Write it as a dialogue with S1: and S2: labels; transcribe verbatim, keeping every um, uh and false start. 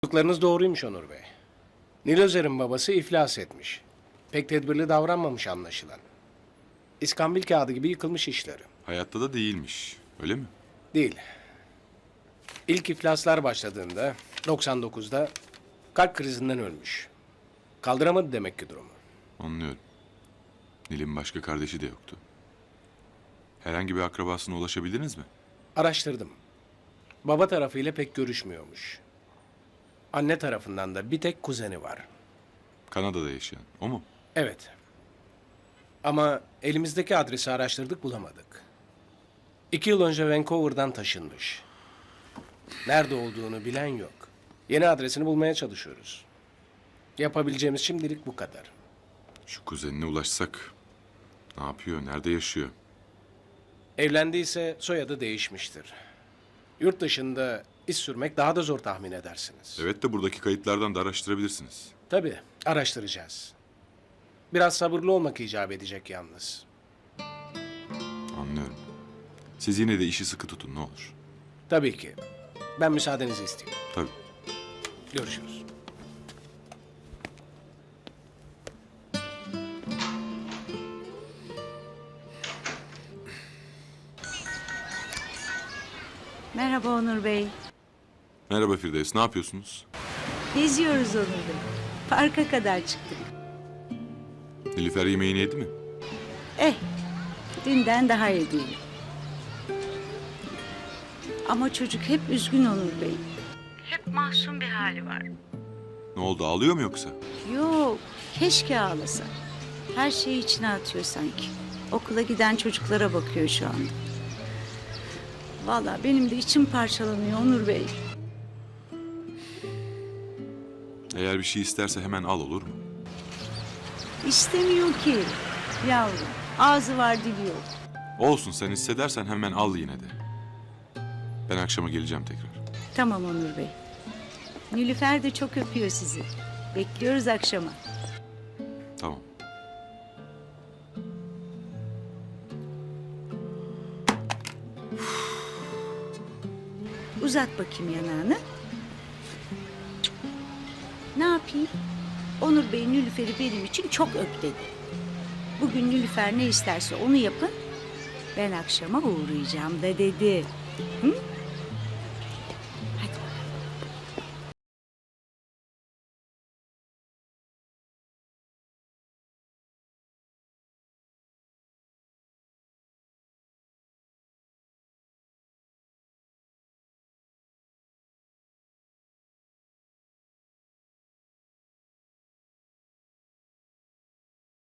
S1: Çocuklarınız doğruymuş Onur Bey. Nilözer'in babası iflas etmiş. Pek tedbirli davranmamış anlaşılan. İskambil kağıdı gibi yıkılmış işleri.
S2: Hayatta da değilmiş. Öyle mi?
S1: Değil. İlk iflaslar başladığında doksan dokuzda kalp krizinden ölmüş. Kaldıramadı demek ki durumu.
S2: Anlıyorum. Nil'in başka kardeşi de yoktu. Herhangi bir akrabasına ulaşabildiniz mi?
S1: Araştırdım. Baba tarafıyla pek görüşmüyormuş. Anne tarafından da bir tek kuzeni var.
S2: Kanada'da yaşayan. O mu?
S1: Evet. Ama elimizdeki adresi araştırdık, bulamadık. İki yıl önce Vancouver'dan taşınmış. Nerede olduğunu bilen yok. Yeni adresini bulmaya çalışıyoruz. Yapabileceğimiz şimdilik bu kadar.
S2: Şu kuzenine ulaşsak. Ne yapıyor? Nerede yaşıyor?
S1: Evlendiyse soyadı değişmiştir. Yurt dışında iş sürmek daha da zor, tahmin edersiniz.
S2: Evet de buradaki kayıtlardan da araştırabilirsiniz.
S1: Tabii, araştıracağız. Biraz sabırlı olmak icap edecek yalnız.
S2: Anlıyorum. Siz yine de işi sıkı tutun ne olur.
S1: Tabii ki. Ben müsaadenizi isteyeyim.
S2: Tabii.
S1: Görüşürüz.
S3: Merhaba Onur Bey.
S2: Merhaba Firdevs. Ne yapıyorsunuz?
S3: Geziyoruz Onur Bey. Parka kadar çıktık.
S2: Nilüfer yemeğini yedi mi?
S3: Eh, dünden daha iyi değil. Ama çocuk hep üzgün Onur Bey. Hep mahzun bir hali var.
S2: Ne oldu? Ağlıyor mu yoksa?
S3: Yok, keşke ağlasa. Her şeyi içine atıyor sanki. Okula giden çocuklara bakıyor şu anda. Vallahi benim de içim parçalanıyor Onur Bey.
S2: Eğer bir şey isterse hemen al, olur mu?
S3: İstemiyor ki yavrum. Ağzı var dili yok.
S2: Olsun, sen hissedersen hemen al yine de. Ben akşama geleceğim tekrar.
S3: Tamam Onur Bey. Nilüfer de çok öpüyor sizi. Bekliyoruz akşama.
S2: Tamam.
S3: Uzat bakayım yanağını. Ne yapayım? Onur Bey Nilüfer'i benim için çok öp dedi. Bugün Nilüfer ne isterse onu yapın. Ben akşama uğrayacağım da dedi. Hı?